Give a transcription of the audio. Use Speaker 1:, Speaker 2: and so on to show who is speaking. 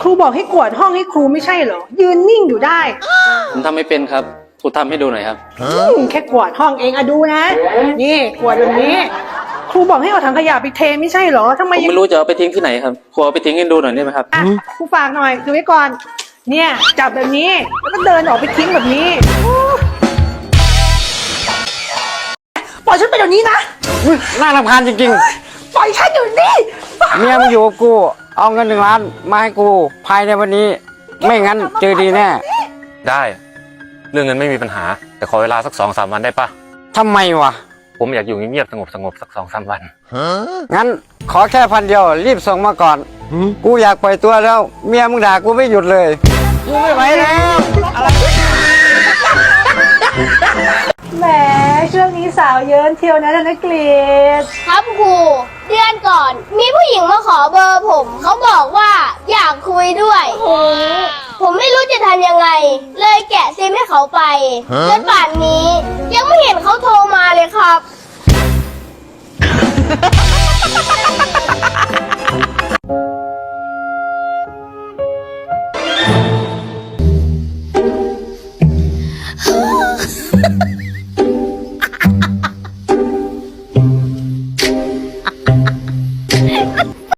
Speaker 1: ครูบอกให้กวาดห้องให้ครูไม่ใช่เหรอยืนนิ่งอยู่ได้
Speaker 2: ผมทำไม่เป็นครับครูทำให้ดูหน่อยครับ
Speaker 1: แค่กวาดห้องเองอะดูนะ นี่กวาดแบบนี้ ครูบอกให้เอาถังขยะไปเทไม่ใช่เหรอทำไม
Speaker 2: ผมไม่รู้จะเอาไปทิ้งที่ไหนครับครูเอาไปทิ้งให้ดูหน่อยได้ไหมครับ
Speaker 1: อ่ะครูฝากหน่อยดูไว้ก่อน เนี่ยจับแบบนี้แล้วก็เดินออกไปทิ้งแบบนี้ปล่อยฉันไปเดี๋ยวนี้นะ
Speaker 3: น่ารำคาญจริง
Speaker 1: ปล่อยฉันเดี๋ยวนี้
Speaker 3: ๆ เมียมึงอยู่กับกู เอาเงิน1 ล้านมาให้กูภายในวันนี้ ไม่งั้นเจอดีแน่
Speaker 4: ได้เรื่องเงินไม่มีปัญหา แต่ขอเวลาสัก2-3 วันได้ปะ
Speaker 3: ทำไมวะ
Speaker 4: ผมอยากอยู่เงียบๆสงบสัก2-3 วัน
Speaker 3: งั้นขอแค่1,000 เดียวรีบส่งมาก่อน กูอยากปล่อยตัวแล้ว เมียมึงด่ากูไม่หยุดเลย กูไม่ไหวแล้ว
Speaker 1: แหมช่วงนี้สาวเยินเที่ยวนะธนกฤษ
Speaker 5: ครับครูเดือนก่อน มีผู้หญิงมาขอเบอร์ผม เขาบอกว่าอยากคุยด้วย ผมไม่รู้จะทำยังไง เลยแกะซิมให้เขาไปจนป่านนี้ยังไม่เห็นเขาโทรมาเลยครับ
Speaker 6: Ha ha ha.